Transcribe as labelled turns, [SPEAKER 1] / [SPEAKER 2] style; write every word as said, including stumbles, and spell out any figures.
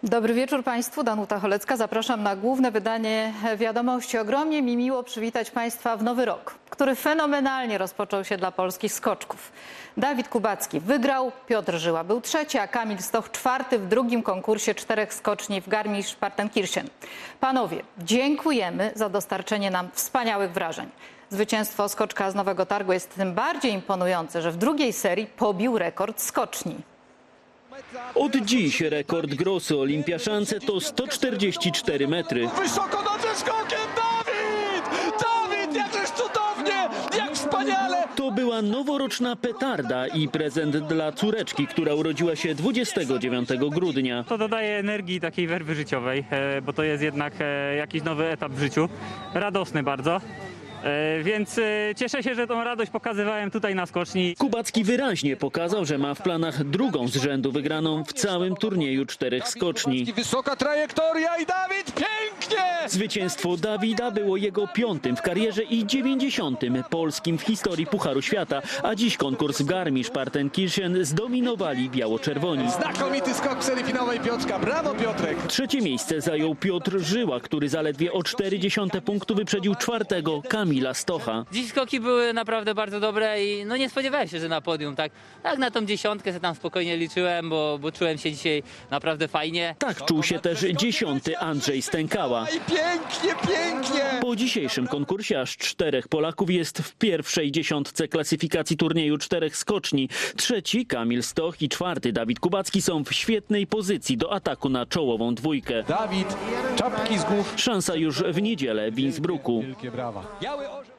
[SPEAKER 1] Dobry wieczór Państwu, Danuta Cholecka. Zapraszam na główne wydanie Wiadomości. Ogromnie mi miło przywitać Państwa w nowy rok, który fenomenalnie rozpoczął się dla polskich skoczków. Dawid Kubacki wygrał, Piotr Żyła był trzeci, a Kamil Stoch czwarty w drugim konkursie czterech skoczni w Garmisch-Partenkirchen. Panowie, dziękujemy za dostarczenie nam wspaniałych wrażeń. Zwycięstwo skoczka z Nowego Targu jest tym bardziej imponujące, że w drugiej serii pobił rekord skoczni.
[SPEAKER 2] Od dziś rekord Grossy Olimpiaszance to sto czterdzieści cztery metry.
[SPEAKER 3] Wysoko nad ze skokiem Dawid! Dawid, jakżeż cudownie! Jak wspaniale!
[SPEAKER 2] To była noworoczna petarda i prezent dla córeczki, która urodziła się dwudziestego dziewiątego grudnia.
[SPEAKER 4] To dodaje energii takiej werwy życiowej, e, bo to jest jednak e, jakiś nowy etap w życiu. Radosny bardzo. E, Więc e, cieszę się, że tą radość pokazywałem tutaj na skoczni.
[SPEAKER 2] Kubacki wyraźnie pokazał, że ma w planach drugą z rzędu wygraną w całym turnieju czterech skoczni.
[SPEAKER 3] Wysoka trajektoria i Dawid pięknie!
[SPEAKER 2] Zwycięstwo Dawida było jego piątym w karierze i dziewięćdziesiątym polskim w historii Pucharu Świata, a dziś konkurs w Garmisch-Partenkirchen zdominowali biało-czerwoni.
[SPEAKER 3] Znakomity skok w serii finałowej Piotrka. Brawo, Piotrek!
[SPEAKER 2] Trzecie miejsce zajął Piotr Żyła, który zaledwie o cztery dziesiąte punktu wyprzedził czwartego Kamila Stocha.
[SPEAKER 5] Dziś skoki były naprawdę bardzo dobre i no nie spodziewałem się, że na podium, tak, tak na tą dziesiątkę sobie tam spokojnie liczyłem, bo, bo czułem się dzisiaj naprawdę fajnie.
[SPEAKER 2] Tak czuł się też dziesiąty Andrzej Stękała.
[SPEAKER 3] I pięknie, pięknie!
[SPEAKER 2] Po dzisiejszym konkursie aż czterech Polaków jest w pierwszej dziesiątce klasyfikacji turnieju czterech skoczni. Trzeci Kamil Stoch i czwarty Dawid Kubacki są w świetnej pozycji do ataku na czołową dwójkę.
[SPEAKER 3] Dawid, czapki z głów.
[SPEAKER 2] Szansa już w niedzielę w Innsbrucku.
[SPEAKER 3] Wielkie brawa. Biały orzeł.